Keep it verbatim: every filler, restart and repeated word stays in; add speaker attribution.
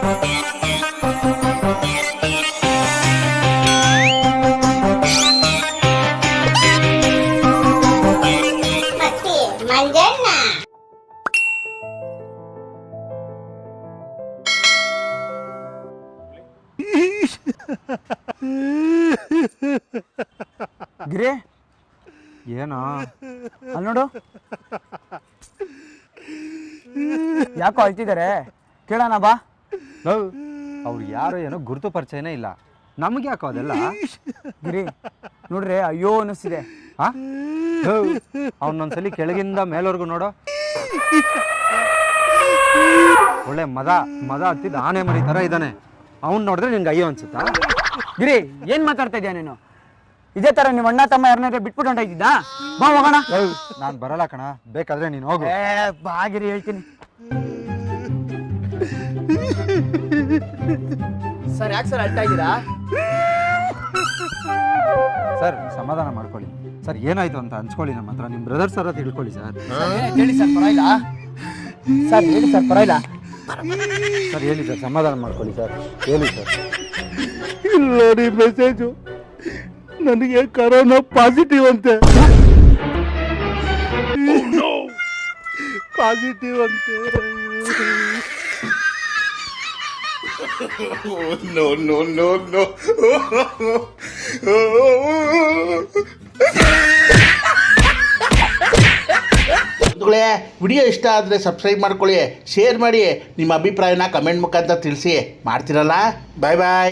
Speaker 1: ಗಿರಿ ಏನೋ ಅಲ್ಲಿ ನೋಡು, ಯಾಕೋ ಅಳ್ತಿದ್ದಾರೆ, ಕೇಳೋಣ ಬಾ.
Speaker 2: ಅವ್ರು ಯಾರು ಏನೋ ಗುರುತು ಪರಿಚಯನೇ ಇಲ್ಲ, ನಮ್ಗೆ ಯಾಕೋ ಅದೆಲ್ಲ.
Speaker 1: ಗಿರಿ ನೋಡ್ರಿ ಅಯ್ಯೋ ಅನ್ನಿಸ್ತಿದೆ.
Speaker 2: ಹಾ ಅವನೊಂದ್ಸಲಿ ಕೆಳಗಿಂದ ಮೇಲವರೆಗೂ ನೋಡೋ, ಒಳ್ಳೆ ಮದ ಮದ ಹತ್ತಿದ ಆನೆ ಮರಿ ತರ ಇದ್ದಾನೆ. ಅವ್ನು ನೋಡಿದ್ರೆ ನಿನ್ಗೆ ಅಯ್ಯೋ ಅನ್ಸುತ್ತಾ?
Speaker 1: ಗಿರಿ ಏನ್ ಮಾತಾಡ್ತಾ ಇದೀಯ ನೀನು? ಇದೇ ತರ ನಿಮ್ಮ ಅಣ್ಣ ತಮ್ಮ ಯಾರನ್ನಾದ್ರೆ ಬಿಟ್ಬಿಟ್ಟು ಹೊಂಟಾಯ್ತಿದ್ದ? ಬಾ ಹೋಗೋಣ.
Speaker 2: ನಾನ್ ಬರಲ್ಲ ಕಣ, ಬೇಕಾದ್ರೆ ನೀನು ಹೋಗು.
Speaker 1: ಬಾ ಗಿರಿ ಹೇಳ್ತೀನಿ. ಸರ್ ಯಾಕೆ ಸರ್ ಅಳ್ತಾ ಇದ್ದೀರಾ?
Speaker 2: ಸರ್ ಸಮಾಧಾನ ಮಾಡ್ಕೊಳ್ಳಿ ಸರ್, ಏನಾಯ್ತು ಅಂತ ಹಂಚ್ಕೊಳ್ಳಿ ನಮ್ಮ ಹತ್ರ. ನಿಮ್ಮ ಬ್ರದರ್ ಸರ್ ಅಂತ ತಿಳ್ಕೊಳ್ಳಿ ಸರ್.
Speaker 1: ಹೇಳಿ ಸರ್ ಪರವಾಗಿಲ್ಲ. ಸರ್ ಹೇಳಿ ಸರ್ ಪರವಾಗಿಲ್ಲ.
Speaker 2: ಸರ್ ಹೇಳಿ ಸರ್, ಸಮಾಧಾನ ಮಾಡ್ಕೊಳ್ಳಿ ಸರ್, ಹೇಳಿ ಸರ್.
Speaker 3: ಇಲ್ಲ ರೀ ಮೆಸೇಜು, ನನಗೆ ಕರೋನಾ ಪಾಸಿಟಿವ್ ಅಂತೆ. ಪಾಸಿಟಿವ್ ಅಂತೆ.
Speaker 4: No no no no. Video ಇಷ್ಟ ಆದರೆ ಸಬ್ಸ್ಕ್ರೈಬ್ ಮಾಡ್ಕೊಳ್ಳಿ, ಶೇರ್ ಮಾಡಿ, ನಿಮ್ಮ ಅಭಿಪ್ರಾಯನ ಕಮೆಂಟ್ ಮುಖಾಂತರ ತಿಳಿಸಿ. ಮಾಡ್ತಿರಲ್ಲ. ಬಾಯ್ ಬಾಯ್.